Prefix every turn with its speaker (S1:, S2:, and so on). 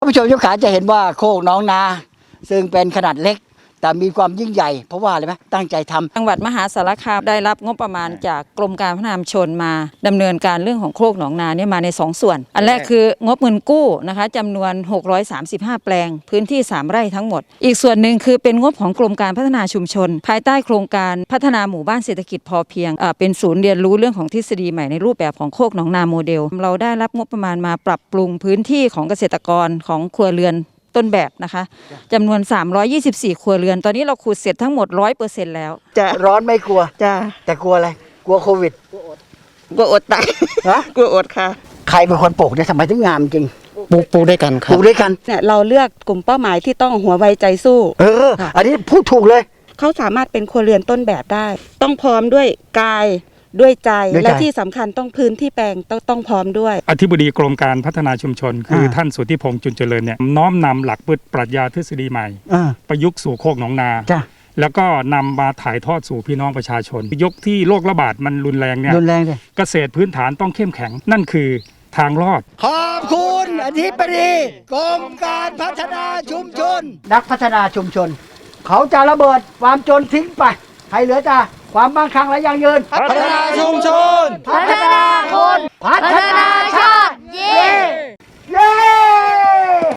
S1: ผู้ชมทุกขาจะเห็นว่าโคกน้องนาซึ่งเป็นขนาดเล็กแต่มีความยิ่งใหญ่เพราะว่าอะไรไหมตั้งใจทำ
S2: จังหวัดมหาสารคามได้รับงบประมาณจากกรมการพัฒนาชุมชนมาดำเนินการเรื่องของโคกหนองนาเนี่ยมาใน2ส่วนอันแรกคืองบเงินกู้นะคะจำนวน635แปลงพื้นที่3ไร่ทั้งหมดอีกส่วนหนึ่งคือเป็นงบของกรมการพัฒนาชุมชนภายใต้โครงการพัฒนาหมู่บ้านเศรษฐกิจพอเพียงเป็นศูนย์เรียนรู้เรื่องของทฤษฎีใหม่ในรูปแบบของโคกหนองนาโมเดลเราได้รับงบประมาณมาปรับปรุงพื้นที่ของเกษตรกรของครัวเรือนต้นแบบนะคะจำนวน324ครัวเรือนตอนนี้เราขุดเสร็จทั้งหมด 100% แล้ว
S1: จะร้อนไม่กลัว
S2: จ้า
S1: แต่กลัวอะไรกลัวโควิด
S2: กลัวอดตาย
S1: ฮะ
S2: กลัวอดค่ะ
S1: ใครเป็นคนปลูกเนี่ยทำไมถึงงามจริง
S3: ปลูกด้วยกันครับ
S1: ปลูกด้วยกัน
S4: เนี่ยเราเลือกกลุ่มเป้าหมายที่ต้องหัวไวใจสู้
S1: อันนี้พูดถูกเลย
S4: เขาสามารถเป็นครัวเรือนต้นแบบได้ต้องพร้อมด้วยกายด้วยใจและที่สำคัญต้องพื้นที่แปลงต้องพร้อมด้วย
S5: อธิบดีกรมการพัฒนาชุมชนคือท่านสุทธิพงษ์จุนเจริญเนี่ยน้อมนำหลักปรัชญาทฤษฎีใหม่ประยุกต์สู่โคกหนองนาแล้วก็นำมาถ่ายทอดสู่พี่น้องประชาชนยกที่โรคระบาดมันรุนแรงเนี่ยเกษตรพื้นฐานต้องเข้มแข็งนั่นคือทางรอด
S1: ขอบคุณอธิบดีกรมการพัฒนาชุมชนนักพัฒนาชุมชนเขาจะระเบิดความจนทิ้งไปให้เหลือแต่ความมั่งคั่งและยั่งยืน
S3: พัฒนาชุมชน
S1: พัฒนาคนพัฒนา